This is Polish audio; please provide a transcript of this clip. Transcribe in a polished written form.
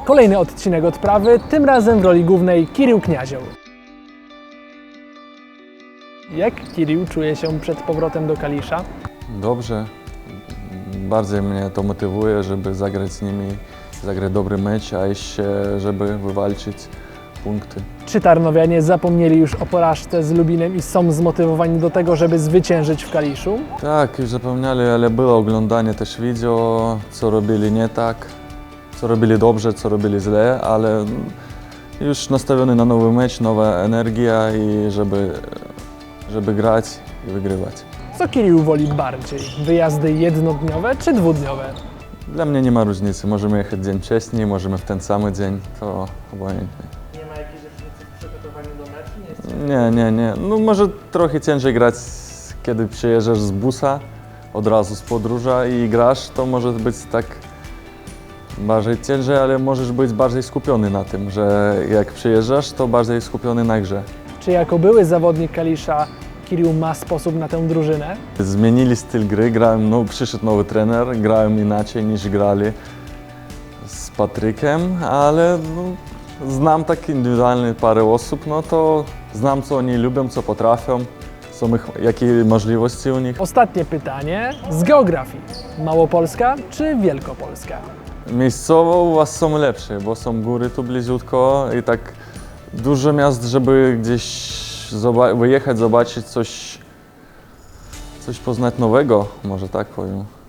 Kolejny odcinek Odprawy, tym razem w roli głównej Kirill Kniazioł. Jak Kirill czuje się przed powrotem do Kalisza? Dobrze. Bardziej mnie to motywuje, żeby zagrać z nimi, zagrać dobry mecz, a jeszcze żeby wywalczyć punkty. Czy Tarnowianie zapomnieli już o porażce z Lubinem i są zmotywowani do tego, żeby zwyciężyć w Kaliszu? Tak, już zapomnieli, ale było oglądanie też wideo, co robili nie tak, co robili dobrze, co robili źle, ale już nastawiony na nowy mecz, nowa energia i żeby grać i wygrywać. Co Kirill woli bardziej? Wyjazdy jednodniowe czy dwudniowe? Dla mnie nie ma różnicy, możemy jechać dzień wcześniej, możemy w ten sam dzień, to obojętnie. Nie ma jakiejś różnicy w przygotowaniu do meczu? Nie. No może trochę ciężej grać, kiedy przyjeżdżasz z busa, od razu z podróża i grasz, to może być tak bardziej ciężej, ale możesz być bardziej skupiony na tym, że jak przyjeżdżasz, to bardziej skupiony na grze. Czy jako były zawodnik Kalisza Kirill ma sposób na tę drużynę? Zmienili styl gry, przyszedł nowy trener, grałem inaczej niż grali z Patrykiem, ale znam tak indywidualnie parę osób, no to znam co oni lubią, co potrafią, jakie możliwości u nich. Ostatnie pytanie z geografii. Małopolska czy Wielkopolska? Miejscowo u was są lepsze, bo są góry tu bliziutko i tak dużo miast, żeby gdzieś wyjechać, zobaczyć coś poznać nowego, może tak powiem.